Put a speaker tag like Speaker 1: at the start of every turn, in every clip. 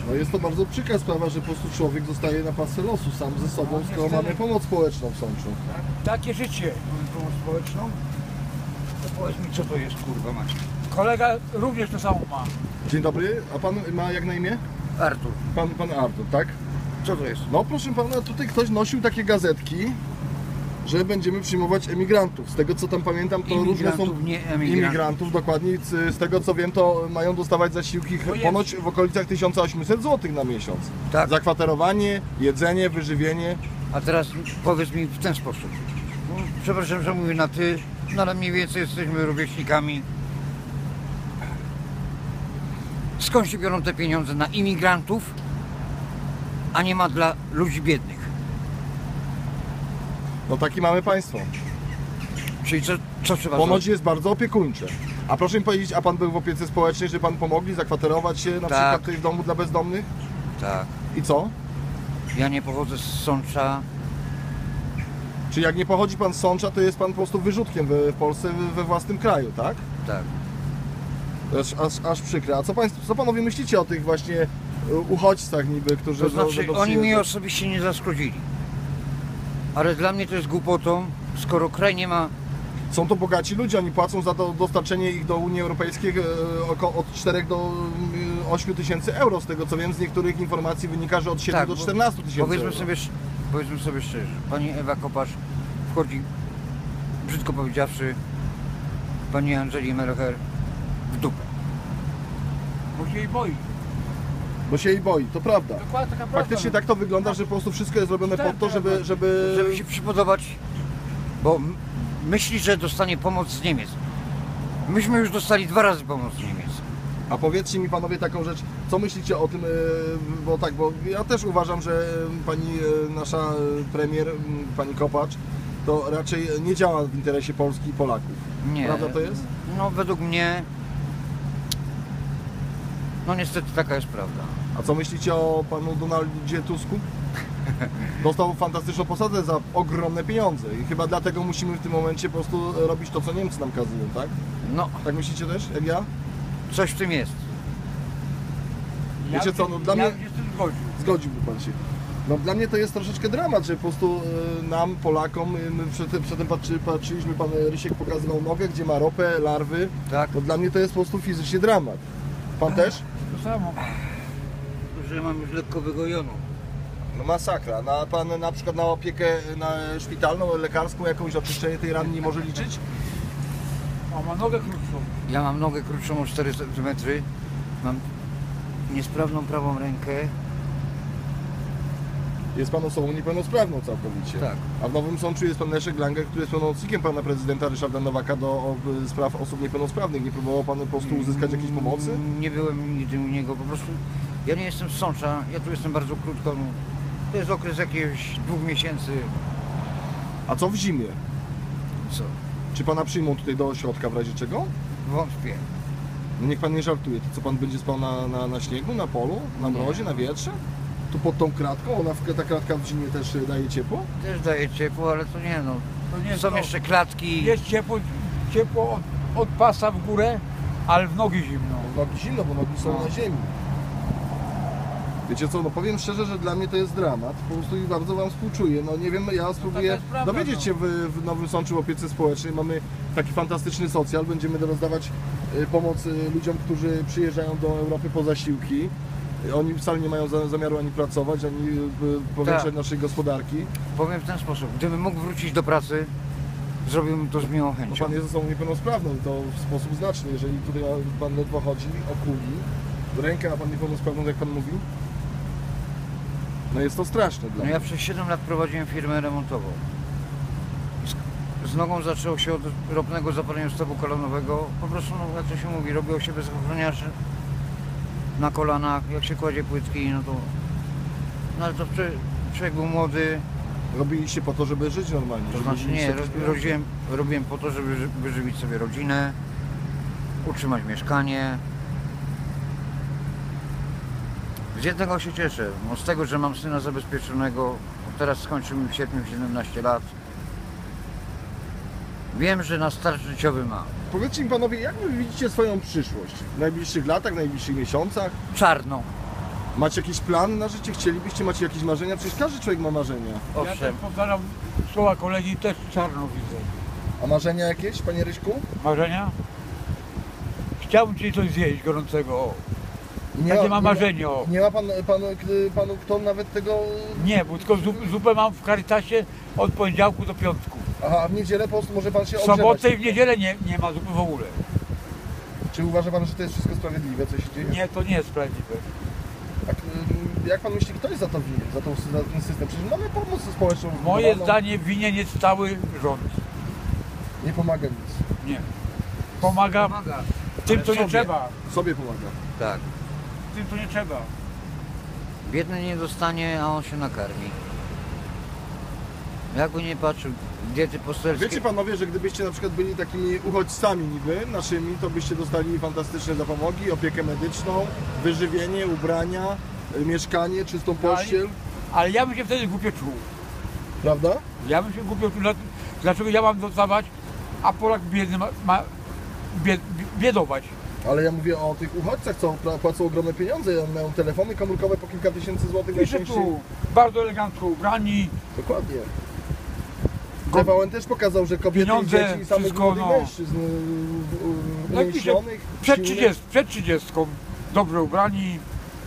Speaker 1: No jest to bardzo przykra sprawa, że po prostu człowiek zostaje na pasce losu sam ze sobą, skoro mamy pomoc społeczną w Sączu.
Speaker 2: Takie życie, mamy pomoc społeczną. To powiedz mi, co to jest, kurwa mać. Kolega również to samo ma.
Speaker 1: Dzień dobry, a pan ma jak na imię?
Speaker 2: Artur.
Speaker 1: Pan Artur, tak?
Speaker 2: Co to jest?
Speaker 1: No proszę pana, tutaj ktoś nosił takie gazetki, że będziemy przyjmować emigrantów. Z tego co tam pamiętam, to różne są...
Speaker 2: nie
Speaker 1: imigrantów, dokładnie. Z tego co wiem, to mają dostawać zasiłki ponoć w okolicach 1800 zł na miesiąc.
Speaker 2: Tak.
Speaker 1: Zakwaterowanie, jedzenie, wyżywienie.
Speaker 2: A teraz powiedz mi w ten sposób. No, przepraszam, że mówię na ty, no ale mniej więcej jesteśmy rówieśnikami. Skąd się biorą te pieniądze na imigrantów, a nie ma dla ludzi biednych?
Speaker 1: No taki mamy państwo.
Speaker 2: Czyli co trzeba
Speaker 1: Ponoć
Speaker 2: zrobić?
Speaker 1: jest bardzo opiekuńcze. A proszę mi powiedzieć, a pan był w opiece społecznej, że pan pomogli zakwaterować się na przykład tutaj w domu dla bezdomnych?
Speaker 2: Tak.
Speaker 1: I co?
Speaker 2: Ja nie pochodzę z Sącza.
Speaker 1: Czy jak nie pochodzi pan z Sącza, to jest pan po prostu wyrzutkiem w Polsce, we własnym kraju, tak?
Speaker 2: Tak.
Speaker 1: To jest aż przykre. A co panowie myślicie o tych właśnie uchodźcach niby, którzy...
Speaker 2: To znaczy, oni mi osobiście nie zaszkodzili. Ale dla mnie to jest głupotą, skoro kraj nie ma...
Speaker 1: Są to bogaci ludzie, oni płacą za to dostarczenie ich do Unii Europejskiej od 4 do 8 tysięcy euro. Z tego co wiem, z niektórych informacji wynika, że od 7 do 14 tysięcy euro.
Speaker 2: Powiedzmy sobie szczerze, pani Ewa Kopacz wchodzi, brzydko powiedziawszy, pani Angeli Merkel w dupę. Bo się jej boi.
Speaker 1: Bo się jej boi, to prawda.
Speaker 2: Dokładnie taka prawda.
Speaker 1: Faktycznie tak to wygląda, że po prostu wszystko jest zrobione po to, żeby
Speaker 2: się przypodobać, bo myśli, że dostanie pomoc z Niemiec. Myśmy już dostali 2 razy pomoc z Niemiec.
Speaker 1: A powiedzcie mi panowie taką rzecz, co myślicie o tym, bo ja też uważam, że pani nasza premier, pani Kopacz, to raczej nie działa w interesie Polski i Polaków.
Speaker 2: Nie.
Speaker 1: Prawda to jest?
Speaker 2: No według mnie, no niestety taka jest prawda.
Speaker 1: A co myślicie o panu Donaldzie Tusku? Dostał fantastyczną posadę za ogromne pieniądze i chyba dlatego musimy w tym momencie po prostu robić to, co Niemcy nam kazują, tak?
Speaker 2: No,
Speaker 1: Tak myślicie też, jak ja?
Speaker 2: coś w tym jest.
Speaker 1: Wiecie co, no dla mnie...
Speaker 2: jestem
Speaker 1: Zgodziłby pan się. No dla mnie to jest troszeczkę dramat, że po prostu nam, Polakom, my przedtem patrzyliśmy, pan Rysiek pokazywał nogę, gdzie ma ropę, larwy.
Speaker 2: Tak.
Speaker 1: No dla mnie to jest po prostu fizycznie dramat. Pan też?
Speaker 2: To samo. Że mam już lekko wygojoną.
Speaker 1: No masakra. Pan na przykład na opiekę szpitalną, lekarską, jakąś oczyszczenie tej rany nie może liczyć?
Speaker 3: A ma nogę krótszą.
Speaker 2: Ja mam nogę krótszą o 4 cm. Mam niesprawną prawą rękę.
Speaker 1: Jest pan osobą niepełnosprawną całkowicie.
Speaker 2: Tak.
Speaker 1: A w Nowym Sączu jest pan Leszek Langer, który jest pełnomocnikiem pana prezydenta Ryszarda Nowaka do spraw osób niepełnosprawnych. Nie próbował pan po prostu uzyskać jakiejś pomocy?
Speaker 2: Nie byłem nigdy u niego, po prostu ja nie jestem z Sącza, ja tu jestem bardzo krótko. No. To jest okres jakiegoś 2 miesięcy.
Speaker 1: A co w zimie?
Speaker 2: Co?
Speaker 1: Czy pana przyjmą tutaj do ośrodka w razie czego?
Speaker 2: Wątpię.
Speaker 1: No niech pan nie żartuje. To co, pan będzie spał na śniegu, na polu, na mrozie, na wietrze? Tu pod tą kratką? Ta kratka w zimie też daje ciepło?
Speaker 2: Też daje ciepło, ale to nie no.
Speaker 3: To nie
Speaker 2: Są
Speaker 3: to.
Speaker 2: jeszcze klatki.
Speaker 3: Jest ciepło od pasa w górę, ale w nogi zimno.
Speaker 1: Nogi zimno, bo nogi są
Speaker 2: No.
Speaker 1: na ziemi. Wiecie co, no powiem szczerze, że dla mnie to jest dramat. Po prostu i bardzo wam współczuję. No nie wiem, ja spróbuję
Speaker 3: jest prawda,
Speaker 1: dowiedzieć się w Nowym Sączu w opiece społecznej. Mamy taki fantastyczny socjal. Będziemy rozdawać pomoc ludziom, którzy przyjeżdżają do Europy po zasiłki. Oni wcale nie mają zamiaru ani pracować, ani powiększać
Speaker 2: Tak.
Speaker 1: naszej gospodarki.
Speaker 2: Powiem w ten sposób, gdybym mógł wrócić do pracy, zrobiłbym to z miłą
Speaker 1: No
Speaker 2: chęcią.
Speaker 1: pan jest osobą niepełnosprawną i to w sposób znaczny. Jeżeli tutaj pan ledwo chodzi, okuli, rękę ma pan niepełnosprawną, jak pan mówi, no jest to straszne dla
Speaker 2: No
Speaker 1: mnie.
Speaker 2: ja przez 7 lat prowadziłem firmę remontową. Z nogą zaczęło się od ropnego zapalenia stawu kolanowego. Po prostu, no, jak to się mówi, robiło się bez ochroniarzy na kolanach, jak się kładzie płytki, no to... No ale to człowiek był młody,
Speaker 1: Robiliście po to, żeby żyć normalnie.
Speaker 2: to
Speaker 1: żeby
Speaker 2: znaczy
Speaker 1: mieć
Speaker 2: nie,
Speaker 1: jakieś pieniądze.
Speaker 2: robiłem po to, żeby wyżywić sobie rodzinę, utrzymać mieszkanie. Z jednego się cieszę, no z tego, że mam syna zabezpieczonego, teraz skończył mi w sierpniu 17 lat. Wiem, że na start życiowy ma.
Speaker 1: Powiedzcie mi panowie, jak wy widzicie swoją przyszłość? W najbliższych latach, w najbliższych miesiącach?
Speaker 2: Czarną.
Speaker 1: Macie jakiś plan na życie? Chcielibyście, macie jakieś marzenia? Przecież każdy człowiek ma marzenia.
Speaker 3: Ja też
Speaker 2: Owszem,
Speaker 3: powtarzam słowa kolegi, też czarno widzę.
Speaker 1: A marzenia jakieś, panie Ryśku?
Speaker 3: Marzenia? Chciałbym dzisiaj coś zjeść gorącego. O.
Speaker 1: Nie
Speaker 3: Takie
Speaker 1: ma-
Speaker 3: mam
Speaker 1: nie ma-
Speaker 3: marzenie. O.
Speaker 1: Nie ma panu kto nawet tego...
Speaker 3: Nie, bo tylko zupę mam w Caritasie od poniedziałku do piątku.
Speaker 1: Aha, a w niedzielę po prostu może pan się
Speaker 3: W
Speaker 1: ogrzewać.
Speaker 3: sobotę i w niedzielę nie ma zupy w ogóle.
Speaker 1: Czy uważa pan, że to jest wszystko sprawiedliwe, co się dzieje?
Speaker 3: Nie, to nie jest sprawiedliwe.
Speaker 1: Tak, jak pan myśli, kto jest za to winien, za ten system? Przecież mamy pomoc społeczną.
Speaker 3: Moje
Speaker 1: wybudowaną.
Speaker 3: zdanie winien jest cały rząd.
Speaker 1: Nie pomaga nic.
Speaker 3: Nie. Pomaga
Speaker 2: pomaga.
Speaker 3: tym,
Speaker 2: Ale
Speaker 3: co nie
Speaker 2: sobie.
Speaker 3: trzeba.
Speaker 1: Sobie pomaga.
Speaker 2: Tak.
Speaker 3: Tym, co nie trzeba.
Speaker 2: Biedny nie dostanie, a on się nakarmi. Jakby nie patrzył, diety poselskie.
Speaker 1: Wiecie panowie, że gdybyście na przykład byli takimi uchodźcami niby naszymi, to byście dostali fantastyczne zapomogi, opiekę medyczną, wyżywienie, ubrania, mieszkanie, czystą pościel,
Speaker 3: Ale ja bym się wtedy głupio czuł.
Speaker 1: prawda?
Speaker 3: Ja bym się głupio czuł. Dlaczego ja mam dostawać, a Polak biedny ma biedować?
Speaker 1: Ale ja mówię o tych uchodźcach, co płacą ogromne pieniądze, oni mają telefony komórkowe po kilka tysięcy złotych
Speaker 3: Pisze
Speaker 1: najczęściej.
Speaker 3: tu, bardzo elegancko ubrani.
Speaker 1: Dokładnie. TVN też pokazał, że kobiety
Speaker 3: Pieniądze,
Speaker 1: i dzieci i samych
Speaker 3: wszystko,
Speaker 1: młodych
Speaker 3: no.
Speaker 1: mężczyzn
Speaker 3: Jak pisze,
Speaker 1: umięśnionych,
Speaker 3: przed 30, dobrze ubrani.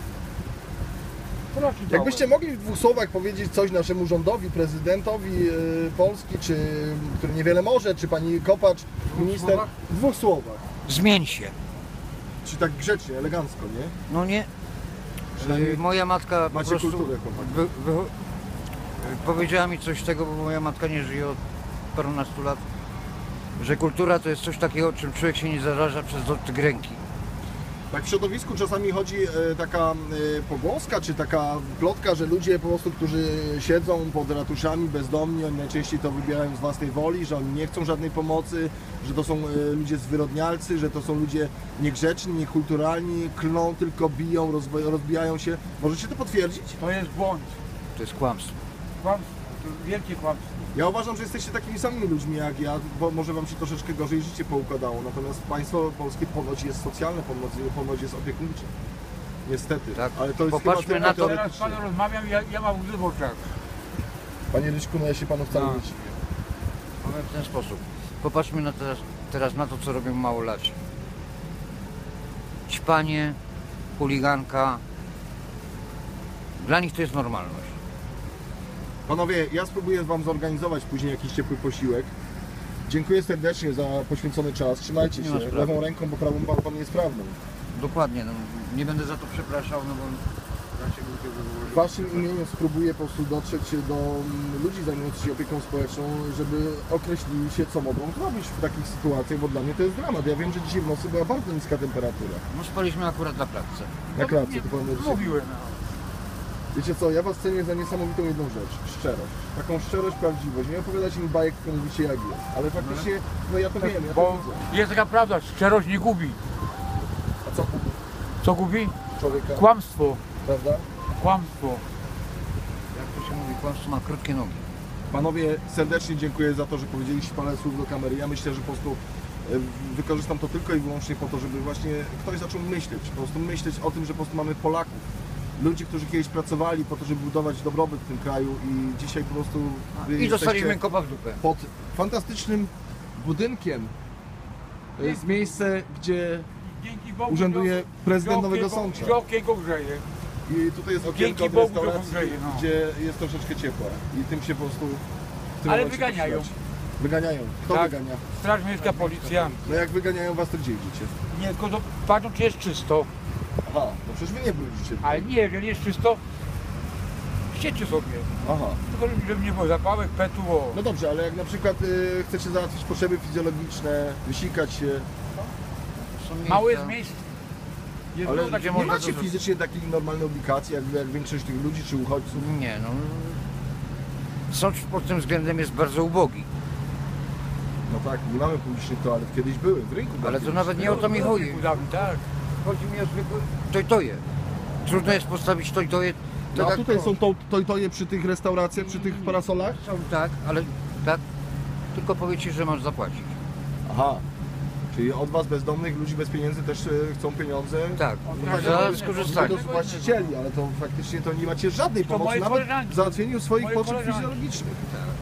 Speaker 3: To raczej
Speaker 1: Jakbyście mogli w dwóch słowach powiedzieć coś naszemu rządowi, prezydentowi Polski, czy który niewiele może, czy pani Kopacz, minister,
Speaker 2: słowach?
Speaker 1: w dwóch słowach.
Speaker 2: Zmień się.
Speaker 1: Czy tak grzecznie, elegancko, nie?
Speaker 2: No nie.
Speaker 1: Przynajmniej
Speaker 2: Moja matka po
Speaker 1: macie
Speaker 2: prostu
Speaker 1: kulturę, chłopaki.
Speaker 2: powiedziała mi coś tego, bo moja matka nie żyje od parunastu lat, że kultura to jest coś takiego, czym człowiek się nie zaraża przez dotyk ręki.
Speaker 1: Tak w środowisku czasami chodzi taka pogłoska, czy taka plotka, że ludzie po prostu, którzy siedzą pod ratuszami bezdomni, oni najczęściej to wybierają z własnej woli, że oni nie chcą żadnej pomocy, że to są ludzie zwyrodnialcy, że to są ludzie niegrzeczni, niekulturalni, klną, tylko biją, rozbijają się. Możecie to potwierdzić?
Speaker 3: To jest błąd.
Speaker 2: To jest kłamstwo.
Speaker 3: Kłamstwo. To jest wielkie kłamstwo.
Speaker 1: Ja uważam, że jesteście takimi samymi ludźmi jak ja, bo może wam się troszeczkę gorzej życie poukładało, natomiast państwo polskie ponoć jest socjalne, ponoć jest opiekuńcze. Niestety,
Speaker 2: Tak.
Speaker 1: ale to jest
Speaker 2: Popatrzmy
Speaker 1: chyba
Speaker 2: na
Speaker 1: tylko
Speaker 2: to-
Speaker 3: Teraz z panem rozmawiam i ja mam łzy w oczach.
Speaker 1: Panie Ryśku, no ja się panu wcale
Speaker 3: No.
Speaker 1: nie dziwię.
Speaker 2: Powiem w ten sposób. Popatrzmy na teraz na to, co robią małolaci. Ćpanie, chuliganka. Dla nich to jest normalność.
Speaker 1: Panowie, ja spróbuję wam zorganizować później jakiś ciepły posiłek. Dziękuję serdecznie za poświęcony czas. Trzymajcie
Speaker 2: Nie ma
Speaker 1: się
Speaker 2: sprawy.
Speaker 1: lewą ręką, bo prawą pan jest prawdą.
Speaker 2: Dokładnie, no, nie będę za to przepraszał, no bo dlaczego tego
Speaker 1: W waszym imieniu spróbuję po prostu dotrzeć do ludzi zajmujących się opieką społeczną, żeby określili się, co mogą zrobić w takich sytuacjach, bo dla mnie to jest dramat. Ja wiem, że dzisiaj w nocy była bardzo niska temperatura.
Speaker 2: No spaliśmy akurat na klatce.
Speaker 1: Na klatce, to powiem, że
Speaker 3: Mówiłem.
Speaker 1: wiecie co, ja was cenię za niesamowitą jedną rzecz, szczerość. Taką szczerość, prawdziwość. Nie opowiadacie mi bajek, które mówicie jak jest. Ale faktycznie, no ja to wiem, ja to
Speaker 3: Bo
Speaker 1: widzę.
Speaker 3: jest taka prawda, szczerość nie gubi.
Speaker 1: A co kupi
Speaker 3: Co gubi?
Speaker 1: człowieka,
Speaker 3: Kłamstwo.
Speaker 1: prawda?
Speaker 3: Kłamstwo.
Speaker 2: Jak to się mówi, kłamstwo ma krótkie nogi.
Speaker 1: Panowie, serdecznie dziękuję za to, że powiedzieliście parę słów do kamery. Ja myślę, że po prostu wykorzystam to tylko i wyłącznie po to, żeby właśnie ktoś zaczął myśleć. Po prostu myśleć o tym, że po prostu mamy Polaków. Ludzi, którzy kiedyś pracowali po to, żeby budować dobrobyt w tym kraju i dzisiaj po prostu wy
Speaker 2: I dostaliśmy
Speaker 1: jesteście
Speaker 2: kopa w dupę.
Speaker 1: pod fantastycznym budynkiem. To jest miejsce, gdzie
Speaker 3: Dzięki Bogu.
Speaker 1: urzęduje prezydent Nowego
Speaker 3: Że
Speaker 1: Sącza.
Speaker 3: okienko grzeje.
Speaker 1: I tutaj jest okienko
Speaker 3: Dzięki
Speaker 1: od
Speaker 3: Bogu, że
Speaker 1: restauracji,
Speaker 3: grzeje, no.
Speaker 1: gdzie jest troszeczkę ciepła. I tym się po prostu... w tym
Speaker 3: Ale
Speaker 1: momencie
Speaker 3: wyganiają.
Speaker 1: poświadczy. Wyganiają. Kto
Speaker 3: Tak.
Speaker 1: wygania?
Speaker 3: Straż miejska, policja.
Speaker 1: No jak wyganiają was, to gdzie idziecie?
Speaker 3: Nie, tylko patrzą, czy jest czysto.
Speaker 1: Aha, no przecież wy nie brudzicie.
Speaker 3: Ale nie, jeżeli jest czysto, siedźcie sobie.
Speaker 1: Aha.
Speaker 3: Tylko żeby nie było zapałek, petu, o.
Speaker 1: No dobrze, ale jak na przykład chcecie załatwić potrzeby fizjologiczne, wysikać się,
Speaker 2: Są miejsca-
Speaker 3: Mało jest miejsc. Jest
Speaker 1: ale
Speaker 3: dużo takie
Speaker 1: nie
Speaker 2: można
Speaker 1: macie
Speaker 2: to-
Speaker 1: fizycznie takiej normalnej obligacji, jak większość tych ludzi czy uchodźców.
Speaker 2: Nie, no. Sącz pod tym względem jest bardzo ubogi.
Speaker 1: No tak, nie mamy publicznych toalet, kiedyś były, w rynku.
Speaker 2: Ale to
Speaker 1: były.
Speaker 2: nawet nie o to mi chodzi.
Speaker 3: Tak.
Speaker 2: Chodzi mi o zwykłe tojtoje. Trudno jest postawić tojtoje.
Speaker 1: No, a
Speaker 2: jak
Speaker 1: tutaj
Speaker 2: to.
Speaker 1: są toje przy tych restauracjach, przy tych parasolach?
Speaker 2: Są tak, ale tak. Tylko powiedz ci, że masz zapłacić.
Speaker 1: Aha. Czyli od was bezdomnych, ludzi bez pieniędzy też chcą pieniądze.
Speaker 2: Tak,
Speaker 3: Tak,
Speaker 2: za
Speaker 3: tak.
Speaker 2: skorzystanie.
Speaker 1: Do właścicieli, ale to faktycznie to nie macie żadnej
Speaker 3: To
Speaker 1: pomocy,
Speaker 3: moi
Speaker 1: nawet
Speaker 3: koleżanki.
Speaker 1: w załatwieniu swoich
Speaker 3: Moi
Speaker 1: potrzeb
Speaker 3: koleżanki.
Speaker 1: fizjologicznych.